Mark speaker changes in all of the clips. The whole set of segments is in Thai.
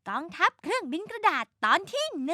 Speaker 1: กองทัพเครื่องบินกระดาษตอนที่1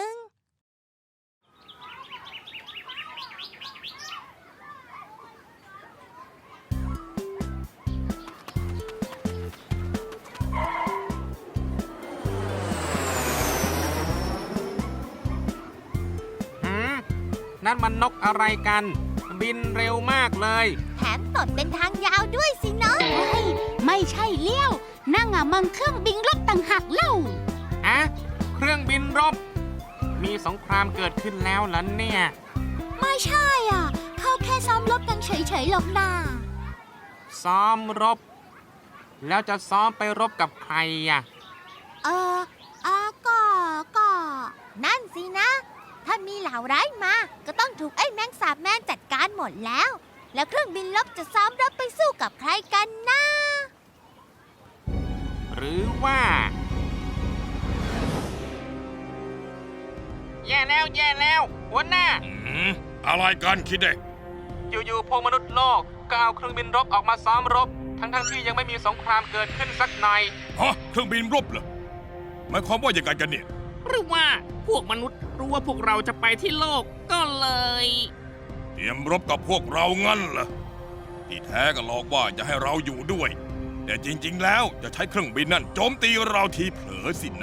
Speaker 2: นั่นมันนกอะไรกัน บินเร็วมากเลย
Speaker 1: แถมตดเป็นทางยาวด้วยสิเนาะ
Speaker 3: ไม่ใช่เลี้ยวนั่งมันเครื่องบินรบต่างหากเล่า
Speaker 2: อะเครื่องบินรบ มีสงครามเกิดขึ้นแล้วเหรอเนี่ย
Speaker 3: ไม่ใช่เขาแค่ซ้อมรบกันเฉยๆหรอกนา
Speaker 2: ซ้อมรบ แล้วจะซ้อมไปรบกับใครอ่ะ
Speaker 1: ก็ นั่นสินะ ถ้ามีเหล่าร้ายมา ก็ต้องถูกไอ้แมงสาบแมนจัดการหมดแล้ว แล้วเครื่องบินรบจะซ้อมรบไปสู้กับใครกันนะ
Speaker 2: หรือว่า แย่แล้วหัวหน้า
Speaker 4: อะไรกันคิดเด็ก
Speaker 2: อยู่ๆพวกมนุษย์โลกก็เอาเครื่องบินรบออกมาซ้อมรบ ทั้งที่ยังไม่มีสงครามเกิดขึ้นสักหน่อย
Speaker 4: ฮะ เครื่องบินรบเหรอหมายความว่าอย่างไรกันเนี่ย
Speaker 5: หรือว่าพวกมนุษย์รู้ว่าพวกเราจะไปที่โลกก็เลย
Speaker 4: เตรียมรบกับพวกเรางั้นเหรอที่แท้ก็หลอกว่าจะให้เราอยู่ด้วย แต่จริงๆแล้วจะใช้เครื่องบินนั่นโจมตีเราทีเผลอสินะ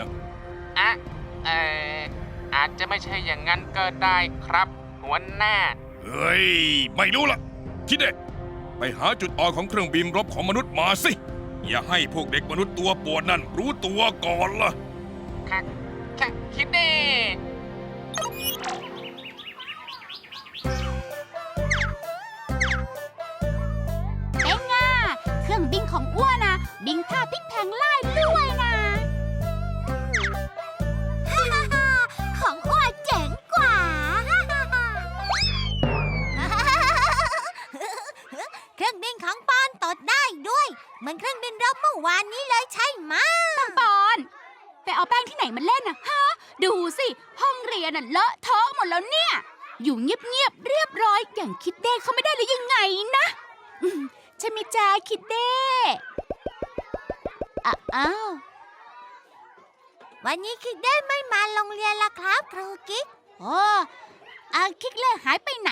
Speaker 2: อาจจะไม่ใช่อย่างนั้นก็ได้ครับ หัวหน้า
Speaker 4: เฮ้ย ไม่รู้ละคิดเด็กไปหาจุดอ่อนของเครื่องบินรบของมนุษย์มาสิ อย่าให้พวกเด็กมนุษย์ตัวปวดนั่นรู้ตัวก่อนล่ะ
Speaker 2: คิดเด้
Speaker 3: เป็นไงเครื่องบินของอ้วนบินท่าพลิกแพลงไล่ด้วยนะ
Speaker 1: ของอ้วนเจ๋งกว่า เครื่องบินของปอนตดได้ด้วยเหมือนเครื่องบินรบเมื่อวานนี้เลยใช่ไหม
Speaker 3: ปอนไปเอาแป้งที่ไหนมาเล่นฮะดูสิห้องเรียนเลอะเทอะหมดแล้วเนี่ยอยู่เงียบๆเรียบร้อยอย่างคิดเด้เขาไม่ได้หรือยังไงนะใช่ไหมจ้าคิดเด้อ้าว
Speaker 1: วันนี้คิดได้ไม่มาโรงเรียนละครับครูกิ๊ก
Speaker 3: โอ้คิดเล่หายไปไหน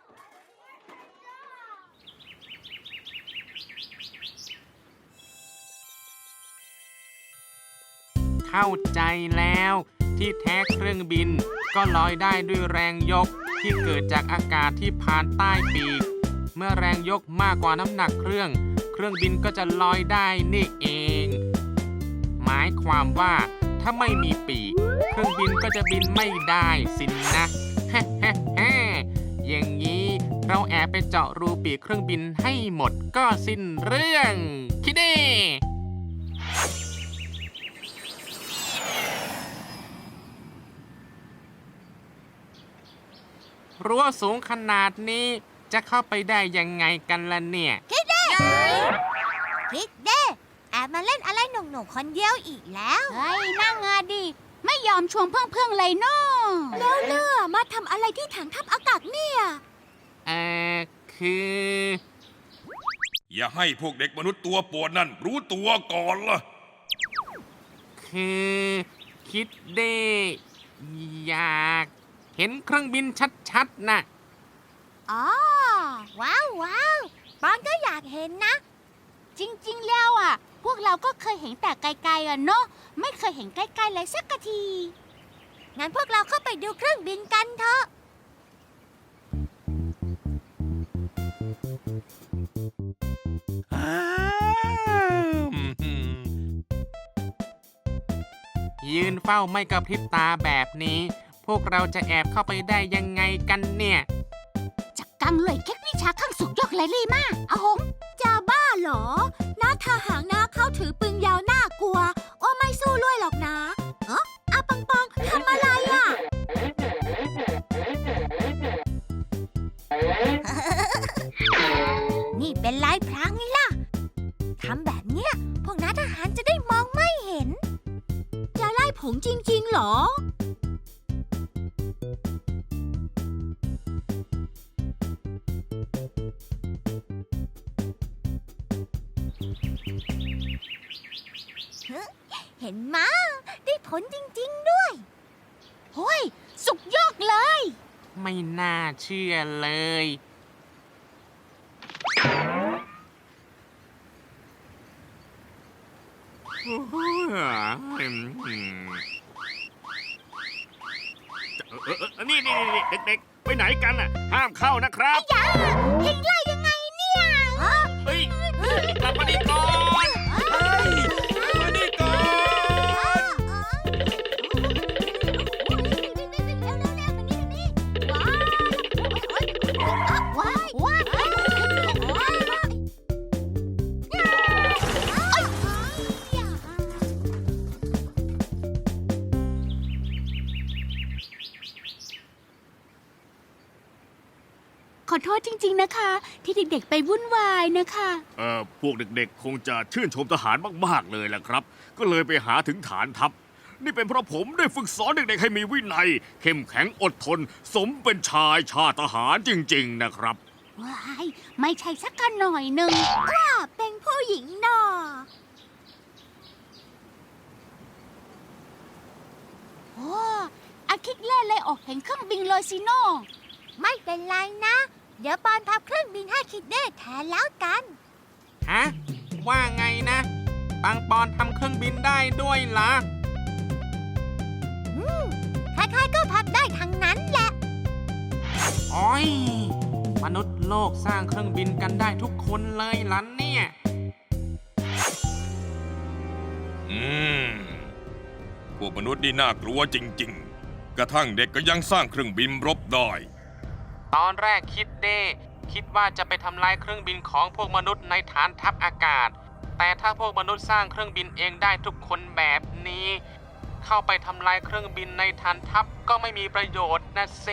Speaker 2: เข้าใจแล้วที่แท้เครื่องบินก็ลอยได้ด้วยแรงยกที่เกิดจากอากาศที่ผ่านใต้ปีก เมื่อแรงยกมากกว่าน้ำหนักเครื่องบินก็จะลอยได้นี่เอง หมายความว่าถ้าไม่มีปีกเครื่องบินก็จะบินไม่ได้สินนะ อย่างนี้เราแอบไปเจาะรูปีกเครื่องบินให้หมดก็สิ้นเรื่องคิดดิรั้วสูงขนาดนี้จะเข้าไปได้ยังไงกันล่ะเนี่ย
Speaker 1: คิดเด้แอบมาเล่นอะไรหนุ่มๆคนเดียวอีกแล้ว
Speaker 3: เฮ้ยนั่งดิไม่ยอมชวนเพื่อนๆเลยเนาะแล้วมาทำอะไรที่ถังทัพอากาศเนี่ย
Speaker 2: คือ
Speaker 4: อย่าให้พวกเด็กมนุษย์ตัวปวดนั่นรู้ตัวก่อนล่ะ
Speaker 2: คือคิดได้อยากเห็นเครื่องบินชัดๆนะ
Speaker 1: อ๋อ ว้าวปอนก็อยากเห็นนะ
Speaker 3: จริงๆแล้วพวกเราก็เคยเห็นแต่ไกลๆเนาะไม่เคยเห็นใกล้ๆเลยสักที
Speaker 1: งั้นพวกเราเข้าไปดูเครื่องบินกันเถอะ
Speaker 2: ยืนเฝ้าไม่กระพริบตาแบบนี้ พวกเราจะแอบเข้าไปได้ยังไงกันเนี่ย
Speaker 3: จักกังเลยเค็กวิชาข้างสุดยอดเลยลี่มากอาหงจะบ้าเหรอหน้าทหารนะเขาถือปืนยาวน่ากลัวโอ้ไม่สู้ด้วยหรอกนะปังปองทำอะไร
Speaker 1: นี่เป็นลายพรางไงล่ะ ทำแบบเนี้ยพวกน้าทหารจะได้มองไม่เห็น
Speaker 3: จะไล่ผงจริงๆเหรอ
Speaker 1: เห็นมะได้ผลจริงๆด้วย
Speaker 3: เฮ้ย สุกยอดเลย
Speaker 2: ไม่น่าเชื่อเลย
Speaker 5: นี่เด็กๆ ไปไหนกันน่ะ ห้ามเข้านะครับ
Speaker 1: เห็นไล่ยังไงเนี่ย
Speaker 5: เฮ้ยกลับมาดีก่อน
Speaker 4: มานี่ก่อน
Speaker 1: ว้ายว้าย
Speaker 3: ขอโทษจริงๆนะคะ ที่เด็กๆไปวุ่นวายนะคะ
Speaker 5: พวกเด็กๆ คงจะชื่นชมทหารมากๆเลยแหละครับ ก็เลยไปหาถึงฐานทัพ นี่เป็นเพราะผมได้ฝึกสอนเด็กๆ ให้มีวินัย เข้มแข็งอดทน สมเป็นชายชาติทหารจริงๆ นะครับ
Speaker 3: ว้าย ไม่ใช่สักกันหน่อยหนึ่ง
Speaker 1: เป็นผู้หญิงหนอ
Speaker 3: โอ้อาคิดเล่เลยออกเห็นเครื่องบินเลยสิโน่
Speaker 1: ไม่เป็นไรนะ เดี๋ยวปอนทับเครื่องบินให้คิดเด้แทนแล้วกัน
Speaker 2: ฮะ ว่าไงนะปังปอนทำเครื่องบินได้ด้วยเหรอ
Speaker 1: ใครๆก็พับได้ทั้งนั้นแหละ
Speaker 2: โอ้ย มนุษย์โลกสร้างเครื่องบินกันได้ทุกคนเลยล่ะเนี่ย
Speaker 4: พวกมนุษย์นี่น่ากลัวจริงๆ กระทั่งเด็กก็ยังสร้างเครื่องบินรบได้
Speaker 2: ตอนแรกคิดว่าจะไปทำลายเครื่องบินของพวกมนุษย์ในฐานทัพอากาศ แต่ถ้าพวกมนุษย์สร้างเครื่องบินเองได้ทุกคนแบบนี้ เข้าไปทำลายเครื่องบินในฐานทัพก็ไม่มีประโยชน์นะเซ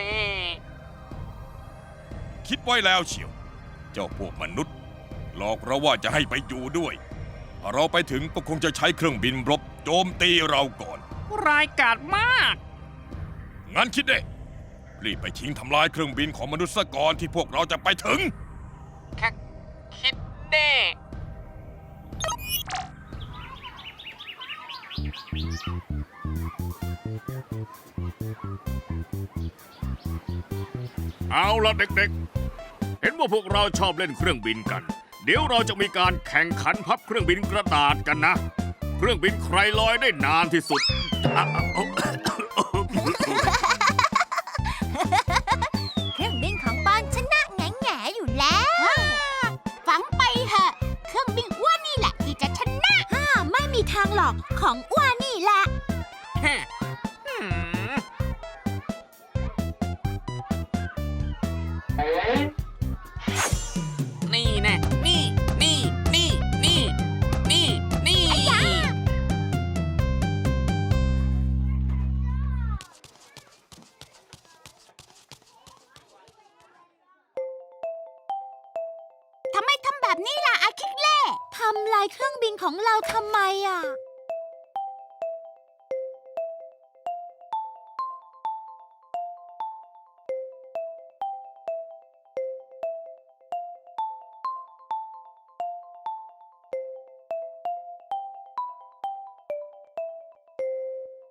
Speaker 4: คิดไว้แล้วเชียว เจ้าพวกมนุษย์ หลอกเราว่าจะให้ไปอยู่ด้วยถ้าเราไปถึงก็คงจะใช้เครื่องบินรบโจมตีเราก่อน
Speaker 5: รายกาจมาก
Speaker 4: งั้นคิดเด้รีบไปทิ้งทำลายเครื่องบินของมนุษย์ซะก่อนที่พวกเราจะไปถึง
Speaker 2: แค่คิดเด้
Speaker 5: เอาละเด็กๆ เห็นว่าพวกเราชอบเล่นเครื่องบินกัน เดี๋ยวเราจะมีการแข่งขันพับเครื่องบินกระดาษกันนะ เครื่องบินใครลอยได้นานที่สุด
Speaker 1: เครื่องบินของปอนชนะแง่ๆอยู่แล้ว
Speaker 3: ฝังไปเถอะ เครื่องบินอ้วนนี่แหละที่จะชนะไม่มีทางหรอกของอ้วนนี่แหละ
Speaker 2: ฮะนี่แน่นี่
Speaker 3: ทำไมทำแบบนี้ล่ะอาคิกเล่ทำลายเครื่องบินของเราทำไมอ่ะ